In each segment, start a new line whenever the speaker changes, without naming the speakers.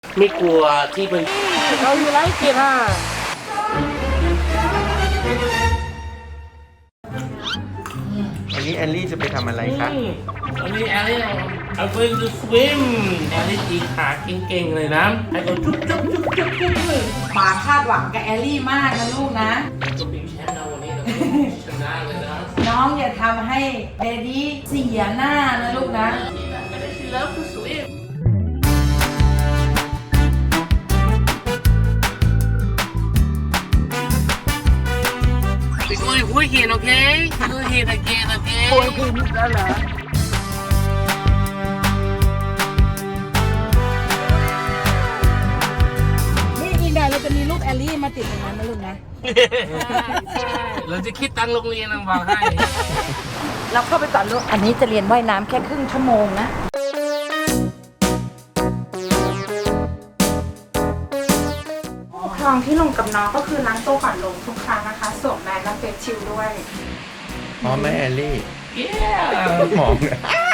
ไม่กลัวที่มัน
เราอยู่ไรเกียร์
วันนี้แอลลี่จะไปทำอะไรคะ
วันนี้แอลลี่เอาไปดูสวิมแอลลี่ตีขาเก่งๆเลยนะให้เขาจุ๊บเลย
ป๋าคาดหวังกับแอลลี่มากนะลูกนะ
จะเป็นแชมป์นะวันนี้ชนะเลยนะ
น้องอย่าทำให้เดดี้เสียหน้านะลูกนะ
She loves to swim. We're going Hurricane, okay? Hurricane again, okay?
โวยคืนแล้วเหรอนี่อีกหน่อยเราจะมีรูปแอลลี่มาติดตรงนั้นนะลูกนะ
เราจะคิดตังค์โรงเรียนนะบอกให้
เราเข้าไปก่อนลูก อันนี้จะเรียนว่ายน้ำแค่ครึ่งชั่วโมงนะ
คลองที่ลงกับน้องก็คือล้างตัวก่อนลงทุกครั้งนะคะสวมแมสและเฟซชิลด์ด้วย
พร้อมไหมแอลลี่
Yeah
มองเลย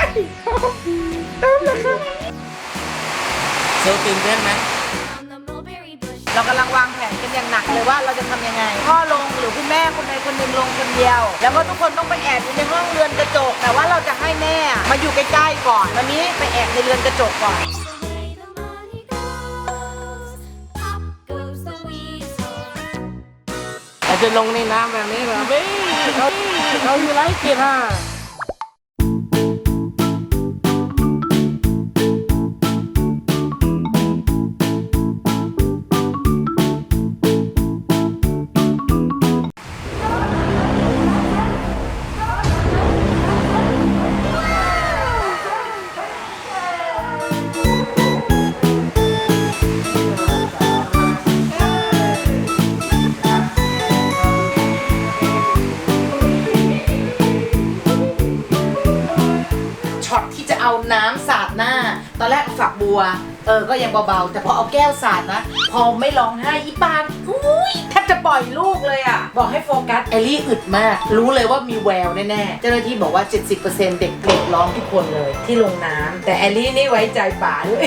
โซตื่นเต้นไหม
เรากำลังวางแผนกันอย่างหนักเลยว่าเราจะทำยังไง พ่อลงหรือคุณแม่คนใดคนหนึ่งลงคนเดียว แล้วก็ทุกคนต้องไปแอบอยู่ในห้องเรือนกระจก แต่ว่าเราจะให้แม่มาอยู่ใกล้ๆก่อนวันนี้ไปแอบในเรือนกระจกก่อน
อาจจะลงในน้ำแบบนี้เหรอพี่เราอยู่ไรเกียร์
ช็อตที่จะเอาน้ำสาดหน้า ตอนแรกฝักบัว ก็ยังเบาๆ แต่พอเอาแก้วสาดนะ พอไม่ร้องไห้อีปานอุ้ยแทบจะปล่อยลูกเลยอ่ะ บอกให้โฟกัสแอลลี่อึดมาก รู้เลยว่ามีแววแน่ๆ เจ้าหน้าที่บอกว่า 70% เด็กร้องทุกคนเลยที่ลงน้ำ แต่แอลลี่นี่ไว้ใจป๋าด้วย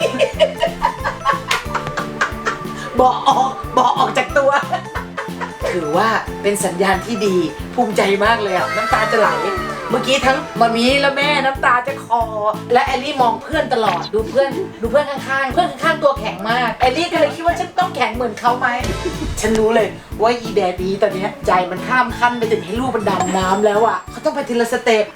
บอกออกจากตัว ถือว่าเป็นสัญญาณที่ดีภูมิใจมากเลยอ่ะน้ำตาจะไหล เมื่อกี้ทั้งมามีและแม่น้ำตาจะคอ และแอลลี่มองเพื่อนตลอดดูเพื่อนข้างๆเพื่อนข้างๆตัวแข็งมากแอลลี่ก็เลยคิดว่าฉันต้องแข็งเหมือนเขาไหม ฉันรู้เลยว่าอีแดดีตอนนี้ใจมันข้ามขั้นไปถึงให้ลูกมันดำน้ำแล้วอ่ะเขาต้องไปทีละสเต็ป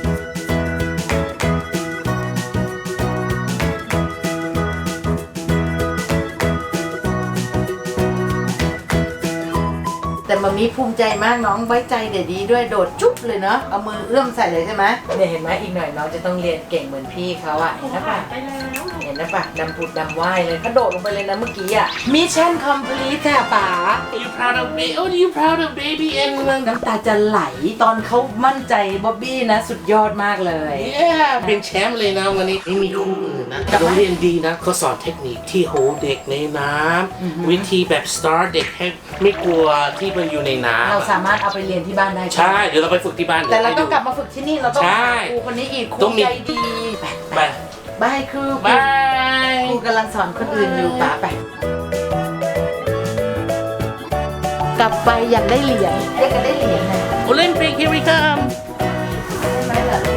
แต่มามีภูมิใจมากน้องไว้ใจเดดีด้วยโดดจุ๊บเลยเนาะเอามือเอื้อมใส่เลยใช่ไหมเนี่ยเห็นไหมอีกหน่อยน้องจะต้องเรียนเก่งเหมือนพี่เขาอะเห็นนะปะเห็นนะปะดำผุดดำว่ายเลยเขาโดดลงไปเลยนะเมื่อกี้อะมิชชั่นคอมพลีทค่ะป๋า
You proud of me? Oh, you proud of baby and
น้ำตาจะไหลตอนเขามั่นใจบ๊อบบี้นะสุดยอดมากเลย
yeah เป็นแชมป์เลยนะวันนี้ไม่มีคู่อื่นนะโรงเรียนดีนะเขาสอนเทคนิคที่โฮเด็กในน้ำวิธีแบบ start เด็กให้ไม่กลัวที่มันอยู่ในน้ำ
เราสามารถเอาไปเรียนที่บ้านได้
ใช่เดี๋ยวเราไปฝึกที่บ้าน
แต่เราต้องกลับมาฝึกที่นี่เราต้อง
ใช่
ครูคนนี้อีกครู
ต้องมี
ใจดี
ไป
บายครู
บาย
ครูกำลังสอนคนอื่นอยู่ป๋าไปกลับไปอยากได้เหรียญอยากจะได้เหรียญนะ